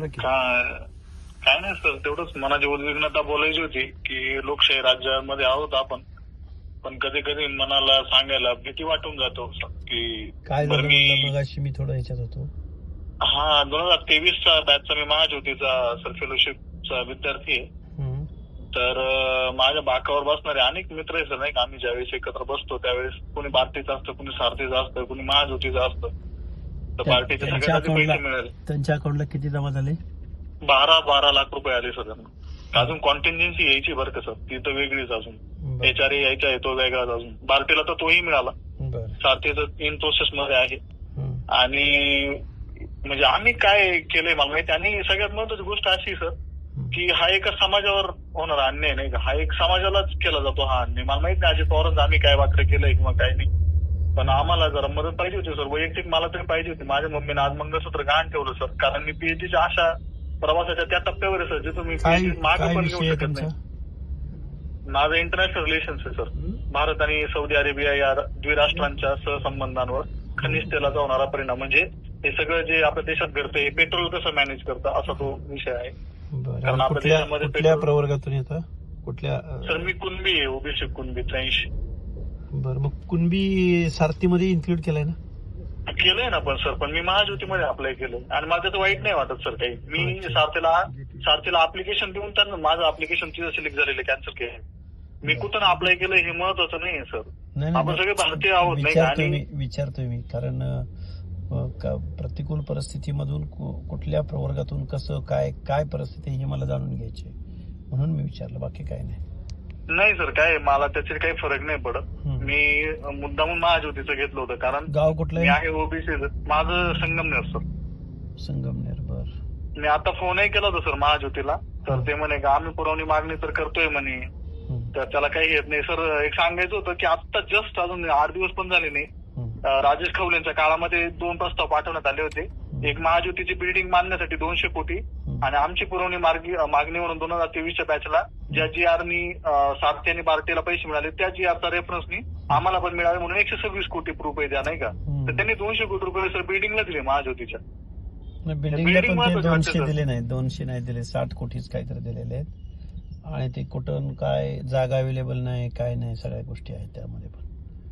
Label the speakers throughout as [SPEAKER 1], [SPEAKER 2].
[SPEAKER 1] बोला की.
[SPEAKER 2] काय नाही सर, तेवढंच मनाची उद्विग्नता बोलायची होती की लोकशाही राज्यामध्ये आहोत आपण, पण कधी कधी मनाला सांगायला भीती वाटून जातो की
[SPEAKER 1] काय
[SPEAKER 2] बरं
[SPEAKER 1] झालं
[SPEAKER 2] मी
[SPEAKER 1] म्हणलं मगाशी मी थोडं ह्याच्यात होतो.
[SPEAKER 2] 2023चा बॅचचा मी महाज्योतीचा सर फेलोशिपचा विद्यार्थी आहे.
[SPEAKER 1] हम्म.
[SPEAKER 2] तर माझ्या बाकावर बसणारे अनेक मित्र आहे सर, नाही का. आम्ही ज्यावेळेस एकत्र बसतो त्यावेळेस कोणी भारतीचं असतं, कोणी सारथीचं असतं, कोणी महाज्योतीचं असतं. तर पार्टीचे सगळ्यांना पैसे मिळाले.
[SPEAKER 1] त्यांच्या अकाउंटला किती जमा झाले?
[SPEAKER 2] 12 लाख रुपये आले सर त्यांना. अजून कॉन्टिन्जन्सी यायची बरं का सर, ती तर वेगळीच अजून. HR यायचा आहे तो वेगळाच अजून. पार्टीला तर तोही मिळाला. सारथीचं इन प्रोसेस मध्ये आहे. आणि म्हणजे आम्ही काय केलंय मला माहिती. आणि सगळ्यात महत्वाची गोष्ट अशी सर की हा एका समाजावर होणारा अन्याय नाही का, हा एक समाजालाच केला जातो हा अन्याय. मला माहित नाही अजित पवारांचं आम्ही काय वाक्र केलंय किंवा काय नाही, पण आम्हाला जरा मदत पाहिजे होती सर. वैयक्तिक मला तरी पाहिजे होती. माझ्या मम्मीने आज मंगळसूत्र गहाण ठेवलं सर, कारण मी PhDच्या अशा प्रवासाच्या त्या टप्प्यावर आहे सर जिथून मी मागे पण घेऊ शकत नाही. माझं इंटरनॅशनल रिलेशन्स आहे सर. भारत आणि सौदी अरेबिया या द्विराष्ट्रांच्या सहसंबंधांवर खनिज तेलाचा होणारा परिणाम, म्हणजे हे सगळं जे आपल्या देशात घडतं हे पेट्रोल कसं मॅनेज करतं असा तो विषय आहे. कारण आपल्या देशामध्ये
[SPEAKER 1] कुठल्या प्रवर्गातून येतं? कुठल्या?
[SPEAKER 2] सर मी कुणबी आहे, ओबीसी कुणबी 83.
[SPEAKER 1] बरं, मग कुणबी सारथीमध्ये इन्क्लूड केलंय ना?
[SPEAKER 2] केलंय ना, पण सर पण मी महाज्योतीमध्ये अप्लाय केलं आणि माझं तर वाईट नाही वाटत सर काही. मी सारथीला अप्लिकेशन देऊन त्यांना माझं अप्लिकेशन तिथं सिलेक्ट झालेलं कॅन्सल केलं. मी कुठं अप्लाय केलं हे महत्वाचं नाहीये सर. आपण सगळे भारतीय आहोत नाही का. आणि
[SPEAKER 1] विचारतोय मी कारण प्रतिकूल परिस्थितीमधून कुठल्या प्रवर्गातून कसं काय परिस्थिती हे मला जाणून घ्यायची म्हणून मी विचारलं, बाकी काय नाही
[SPEAKER 2] सर. काय मला त्याचे काही फरक नाही पडत. मी मुद्दामून महाज्योतीचं घेतलं होतं कारण
[SPEAKER 1] गाव कुठलं
[SPEAKER 2] मी आहे ओबीसी. माझं संगमनेर सर.
[SPEAKER 1] संगमनेर. बर.
[SPEAKER 2] मी आता फोनही केला होता सर महाज्योतीला, तर ते म्हणे का आम्ही पुरवणी मागणी तर करतोय म्हणे, तर त्याला काही येत नाही सर. एक सांगायचं होतं की आता जस्ट अजून 8 दिवस पण झाले नाही, राजेश खवलेंच्या काळामध्ये 2 प्रस्ताव पाठवण्यात आले होते. एक महाज्योतीची बिल्डिंग बांधण्यासाठी 200 कोटी आणि आमची पुरवणी मागणी म्हणून 2023च्या बॅचला ज्या GRनी सारथी आणि पार्टीला पैसे मिळाले त्या GRचा रेफरन्सनी आम्हाला पण मिळाले म्हणून 126 कोटी रुपये द्या नाही का. तर त्यांनी 200 कोटी रुपये सर बिल्डिंगला दिले महाज्योतीच्या.
[SPEAKER 1] बिल्डिंगला पण 200 दिले नाही, 200 नाही दिले, 60 कोटीच काहीतरी दिलेले आहेत. आणि ते कुठून काय जागा अवेलेबल नाही, काय नाही, सगळ्या गोष्टी आहेत त्यामध्ये पण.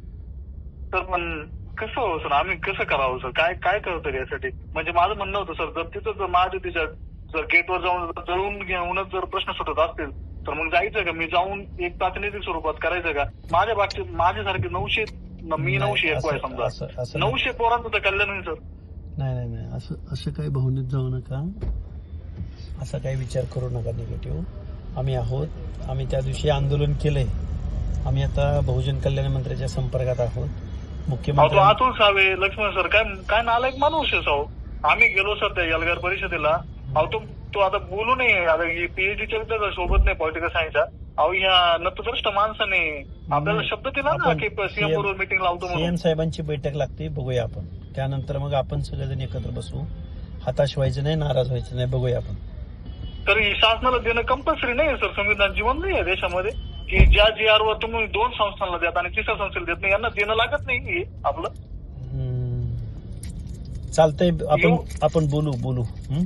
[SPEAKER 2] तर पण कसं हो सर, आम्ही कसं करावं सर, काय करतो यासाठी. म्हणजे माझं म्हणणं होतं सर, जर तिथं जर महाज्योतीच्या जर गेटवर जाऊन जळून घेऊनच जर प्रश्न सुटत असतील तर मग जायचं का, मी जाऊन एक प्रातिनिधिक स्वरूपात करायचं का. माझ्या बाबतीत माझ्यासारखे 900 आहे समजा, 900 पोरांचं तर कल्याण होईल सर.
[SPEAKER 1] नाही असं काही भावनेत जाऊ नका, असा काही विचार करू नका निगेटिव्ह. आम्ही आहोत, आम्ही त्या दिवशी आंदोलन केलंय. आम्ही आता बहुजन कल्याण मंत्र्याच्या संपर्कात आहोत. मुख्यमंत्री
[SPEAKER 2] अतुल सावे, लक्ष्मण सर काय नालायक माणूस आहे साहो. आम्ही गेलो सर त्या एल्गार परिषदेला. तो आता बोलू नये, आता PhDच्या विद्यार्थ्या सोबत नाही पॉलिटिकल सायन्सच्या. ह्या नतद्रष्ट माणसाने आपल्याला शब्द दिला ना की CM बरोबर मीटिंग लावतो म्हणून.
[SPEAKER 1] CM साहेबांची बैठक लागते, बघूया आपण. त्यानंतर मग आपण सगळेजण एकत्र बसू. हताश व्हायचं नाही, नाराज व्हायचं नाही, बघूया आपण.
[SPEAKER 2] तर शासनाला देणं कंपल्सरी नाही सर. संविधान जीवन नाही आहे देशामध्ये की ज्या GR वर तुम्ही 2 संस्थांना देत आणि 3ऱ्या संस्थेला देत नाही, यांना देणं लागत नाही आपलं.
[SPEAKER 1] चालतंय, आपण बोलू.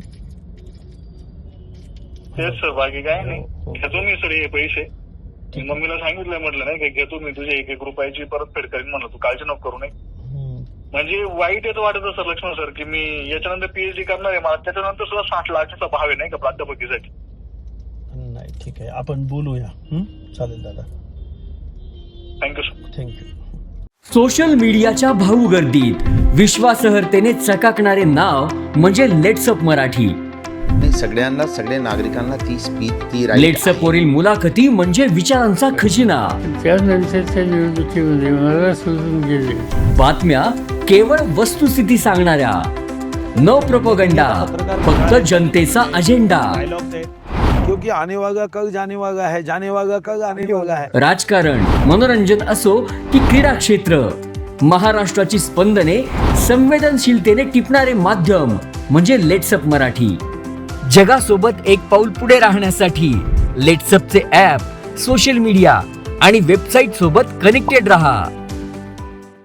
[SPEAKER 2] तेच सर, बाकी काय नाही. घेतो मी सर हे पैसे. मम्मीला सांगितलंय, म्हटलं नाही की घेतो मी तुझ्या 1 रुपयाची परतफेड करीन म्हणलं, तू काळजी नको करू नये. म्हणजे वाईट येतं वाटत सर लक्ष्मण सर की मी याच्यानंतर PhD करणार आहे, मला त्याच्यानंतर सुद्धा 60 लाखाचा भाव आहे नाही का प्राध्यापकीसाठी.
[SPEAKER 1] नाही ठीक आहे, आपण बोलूया. चालेल दादा,
[SPEAKER 2] थँक्यू सर.
[SPEAKER 1] थँक्यू.
[SPEAKER 3] सोशल मीडियाच्या भाऊ गर्दीत विश्वासार्हतेने चकाकणारे नाव म्हणजे लेट्सअप मराठी.
[SPEAKER 4] सगळ्या नागरिकांना ती स्पीच ती
[SPEAKER 3] लेट्सअप वरील मुलाखती म्हणजे विचारांचा खजिना.
[SPEAKER 5] त्यानंतरच्या निवडणुकीमध्ये मला सोडून गेले.
[SPEAKER 3] बातम्या केवळ वस्तुस्थिती सांगणाऱ्या, न प्रोपगंडा, फक्त जनतेचा अजेंडा.
[SPEAKER 6] क्योंकि आने वाला कल जाने वाला है, जाने वाला कल आने वाला है.
[SPEAKER 3] राजकारण, मनोरंजन असो की क्रीडा क्षेत्र, महाराष्ट्राची स्पंदने संवेदनशीलतेने टिपणारे माध्यम म्हणजे लेट्सअप मराठी. जगासोबत एक पाऊल पुढे राहण्यासाठी लेट्सअपचे ॲप, सोशल मीडिया आणि वेबसाईट सोबत कनेक्टेड रहा.